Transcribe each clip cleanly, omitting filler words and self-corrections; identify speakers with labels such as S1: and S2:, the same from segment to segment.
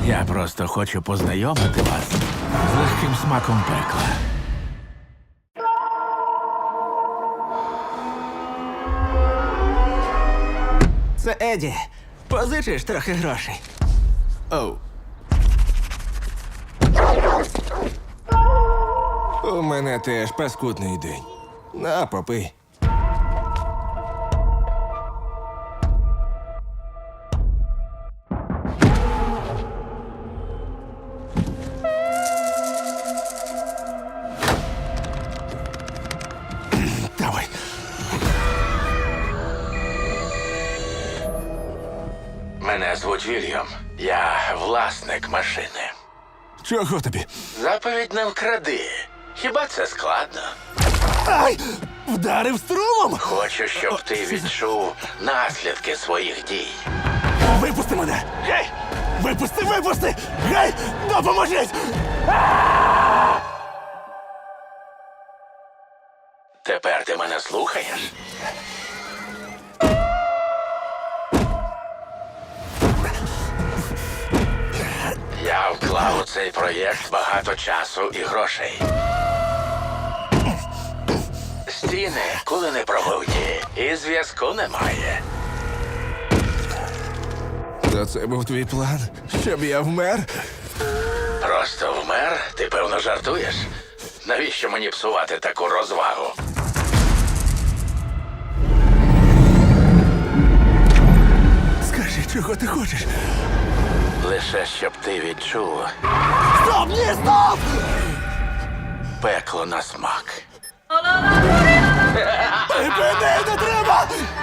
S1: Я просто хочу познайомити вас з легким смаком пекла.
S2: Це Еді. Позичиш трохи грошей.
S1: Оу.
S3: У мене теж паскудний день. На, попий.
S1: Давай. Мене звуть Вільям. Я власник машини.
S3: Чого тобі?
S1: Заповідь не вкради. Хіба це складно?
S3: Ай! Вдарив струмом!
S1: Хочу, щоб ти відчув наслідки своїх дій.
S3: Випусти мене! Гей! Випусти, випусти! Гей! Допоможіть!
S1: Тепер ти мене слухаєш? Я вклав у цей проєкт багато часу і грошей. Стіни коли не пробуті, і зв'язку немає.
S3: То це був твій план? Щоб я вмер?
S1: Просто вмер? Ти, певно, жартуєш? Навіщо мені псувати таку розвагу?
S3: Скажи, чого ти хочеш?
S1: Лише щоб ти відчув
S3: Стоп! Ні, стоп!
S1: пекло на смак.
S3: Припини, не треба!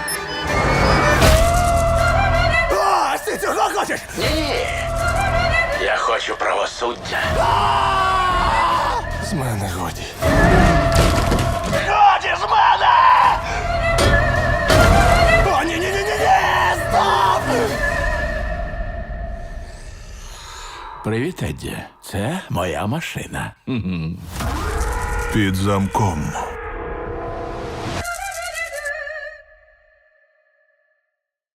S3: О, ти цього хочеш?
S1: Ні. Я хочу правосуддя.
S3: З мене годі.
S1: Годі з мене!
S3: О, ні, стоп!
S1: Привіт, Едді. Це моя машина.
S4: Під замком.